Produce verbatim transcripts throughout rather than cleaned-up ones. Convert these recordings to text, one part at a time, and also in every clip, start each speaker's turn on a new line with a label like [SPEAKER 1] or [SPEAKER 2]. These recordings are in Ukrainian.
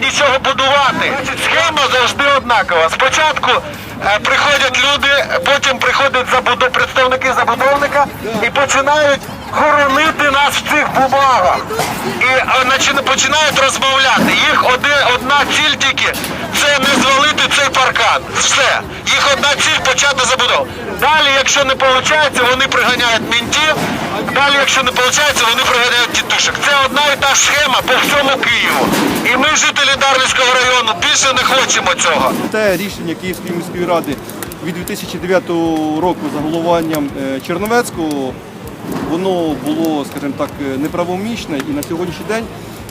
[SPEAKER 1] нічого будувати. Схема завжди однакова. Спочатку е, приходять люди, потім приходять забудов... представники забудовника і починають хоронити нас в цих бумагах. І е, починають розмовляти. Їх оди... одна ціль тільки – це не звалити цей паркан. Все. Їх одна ціль – почати забудову. Далі, якщо не виходить, вони приганяють мінтів. Далі, якщо не виходить, вони приганяють тітушек. Це одна і та схема по всьому Києву. І ми, жителі Дарницького району, більше не хочемо цього.
[SPEAKER 2] Те рішення Київської міської ради від дві тисячі дев'ятого року за головуванням Черновецького, воно було, скажімо так, неправомічне, і на сьогоднішній день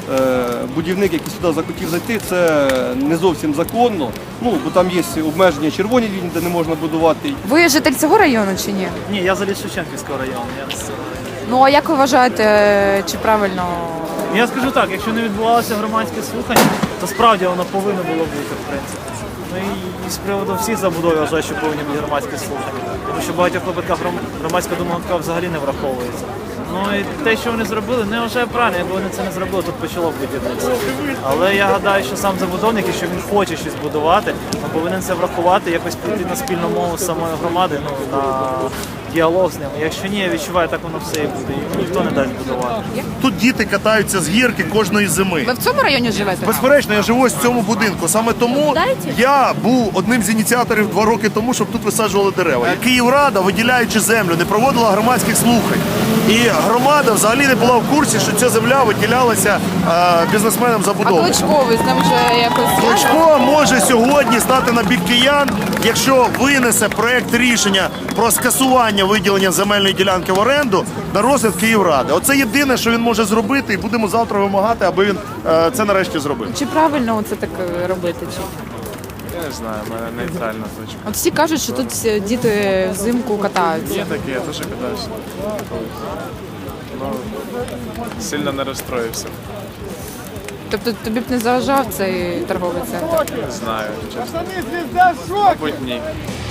[SPEAKER 2] будівник, який сюди захотів зайти, це не зовсім законно. Ну, бо там є обмеження червоні лінії, де не можна будувати.
[SPEAKER 3] Ви житель цього району чи ні?
[SPEAKER 4] Ні, я заліз Шевченківського району. Я...
[SPEAKER 3] Ну а як ви вважаєте, чи правильно?
[SPEAKER 4] Я скажу так, якщо не відбувалося громадське слухання, то справді воно повинно було бути, в принципі. Ну і з приводу всіх забудов я вважаю, що повинні бути громадські слухання. Тому що в багатьох випадках громадська думка взагалі не враховується. Ну і те, що вони зробили, не вважаю правильно, якби вони це не зробили, тут почало б будівництво. Але я гадаю, що сам забудовник, якщо він хоче щось будувати, він повинен це врахувати, якось прийти на спільну мову з самої громади, ну, на діалог з ними. Якщо ні, я відчуваю, так воно все і буде. І ніхто не дасть будувати.
[SPEAKER 5] Тут діти катаються з гірки кожної зими.
[SPEAKER 3] Ви в цьому районі живете?
[SPEAKER 5] Безперечно, я живу ось в цьому будинку. Саме тому я був одним з ініціаторів два роки тому, щоб тут висаджували дерева. Київрада, виділяючи землю, не проводила громадських слухань. І громада взагалі не була в курсі, що ця земля виділялася е, бізнесменам-забудовникам.
[SPEAKER 3] А Кличко, ви з ним вже якось...
[SPEAKER 5] Кличко може сьогодні стати на бік киян, якщо винесе проєкт рішення про скасування виділення земельної ділянки в оренду на розгляд Київради. Оце єдине, що він може зробити, і будемо завтра вимагати, аби він е, це нарешті зробив.
[SPEAKER 3] Чи правильно це так робити? Чи?
[SPEAKER 6] Я не знаю, в мене нейтральна точка.
[SPEAKER 3] От всі кажуть, що тут всі діти взимку катаються.
[SPEAKER 6] Є таке, я теж катаюся. Ну, сильно не розстроївся.
[SPEAKER 3] Тобто тобі б не заважав цей торговий центр?
[SPEAKER 6] Не знаю, чесно. Мабуть, ні.